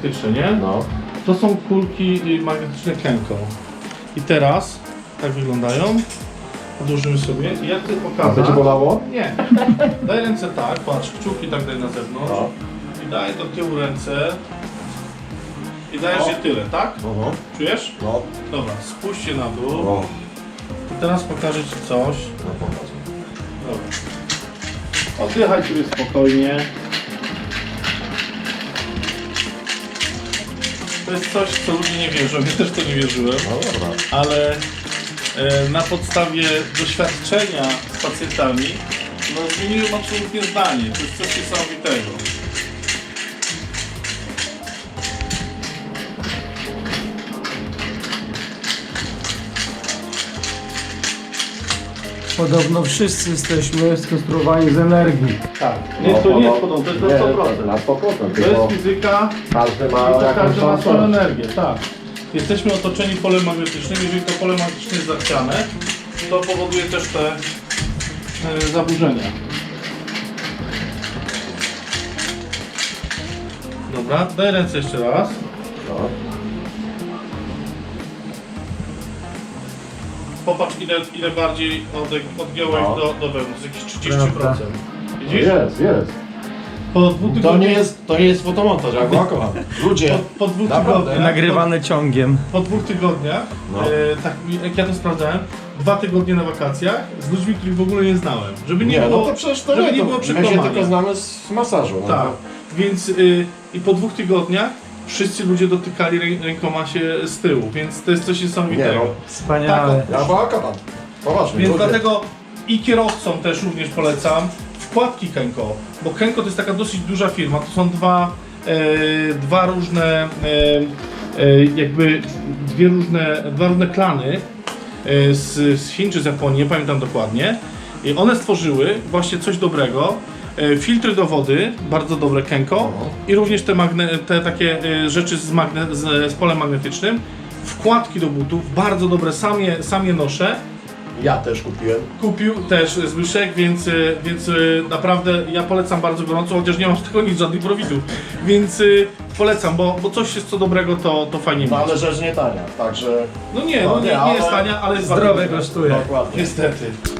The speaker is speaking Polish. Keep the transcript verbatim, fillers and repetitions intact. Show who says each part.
Speaker 1: magnetyczne, nie?
Speaker 2: No.
Speaker 1: To są kulki magnetyczne Kenko. I teraz tak wyglądają. Odłożymy sobie i jak ty pokazać?
Speaker 2: Będzie bolało?
Speaker 1: Nie. Daj ręce tak, patrz, kciuki tak daj na zewnątrz.
Speaker 2: No.
Speaker 1: I daj do tyłu ręce. I dajesz je tyle, tak?
Speaker 2: No.
Speaker 1: Czujesz?
Speaker 2: No.
Speaker 1: Dobra, spuśćcie na dół.
Speaker 2: No.
Speaker 1: I teraz pokażę ci coś.
Speaker 2: No pokaż.
Speaker 1: Dobra. Oddychaj sobie spokojnie. To jest coś, w co ludzie nie wierzą. Ja też to nie wierzyłem.
Speaker 2: No dobra.
Speaker 1: Ale e, na podstawie doświadczenia z pacjentami no, zmieniłem absolutnie zdanie. To jest coś niesamowitego.
Speaker 3: Podobno wszyscy jesteśmy skonstruowani z energii.
Speaker 1: Tak. Nie, to nie jest podobne, to jest na sto procent.
Speaker 2: Na sto procent.
Speaker 1: To jest fizyka,
Speaker 2: Każdy ma
Speaker 1: to
Speaker 2: jakąś
Speaker 1: każdy ma swoją
Speaker 2: szansę.
Speaker 1: energię, tak. Jesteśmy otoczeni polem magnetycznym, jeżeli to pole magnetyczne jest zachciane, to powoduje też te e, zaburzenia. Dobra, daj ręce jeszcze raz.
Speaker 2: No.
Speaker 1: Popatrz ile, ile bardziej od, odgiąłeś
Speaker 2: No.
Speaker 1: do, do wewnątrz, jakieś trzydzieści procent. Widzisz?
Speaker 2: Jest, jest.
Speaker 1: Po dwóch
Speaker 2: To
Speaker 1: tygodniach,
Speaker 2: nie jest, to nie jest fotomontaż, ja go kocham. Ludzie,
Speaker 1: po, po dwóch
Speaker 2: Naprawdę?
Speaker 1: tygodniach,
Speaker 3: Nagrywane ciągiem.
Speaker 1: po, po dwóch tygodniach,
Speaker 2: No.
Speaker 1: e, tak jak ja to sprawdzałem, dwa tygodnie na wakacjach z ludźmi, których w ogóle nie znałem. Żeby nie,
Speaker 2: nie,
Speaker 1: było,
Speaker 2: no to przecież to
Speaker 1: żeby
Speaker 2: nie,
Speaker 1: nie
Speaker 2: to
Speaker 1: było
Speaker 2: my się
Speaker 1: przekłamania.
Speaker 2: tylko znamy z masażu. No.
Speaker 1: Tak, więc y, i po dwóch tygodniach wszyscy ludzie dotykali rę, rękoma się z tyłu, więc to jest coś
Speaker 2: Nie
Speaker 1: niesamowitego.
Speaker 2: no,
Speaker 3: Wspaniale.
Speaker 2: ja go kocham. Poważnie,
Speaker 1: Więc
Speaker 2: ludzie.
Speaker 1: dlatego i kierowcom też również polecam wkładki Kenko, bo Kenko to jest taka dosyć duża firma, to są dwa, e, dwa różne, e, e, jakby dwie różne, dwa różne klany e, z, z Chin czy z Japonii, nie pamiętam dokładnie. I one stworzyły właśnie coś dobrego, e, filtry do wody, bardzo dobre Kenko i również te, magne, te takie e, rzeczy z, magne, z, z polem magnetycznym, wkładki do butów, bardzo dobre, sam je, sam je noszę.
Speaker 2: Ja też kupiłem.
Speaker 1: Kupił też Zbyszek, więc, y, więc y, naprawdę ja polecam bardzo gorąco, chociaż nie mam z tego nic, żadnych profitów. Więc y, polecam, bo, bo coś jest co dobrego, to, to fajnie
Speaker 2: No
Speaker 1: mieć.
Speaker 2: ale rzecz nie tania, także
Speaker 1: No nie,
Speaker 2: No
Speaker 1: no nie,
Speaker 2: nie,
Speaker 1: nie jest
Speaker 2: ale
Speaker 1: tania, ale jest
Speaker 3: Zdrowe
Speaker 1: bardzo dobre.
Speaker 3: kosztuje.
Speaker 2: dokładnie.
Speaker 1: Niestety.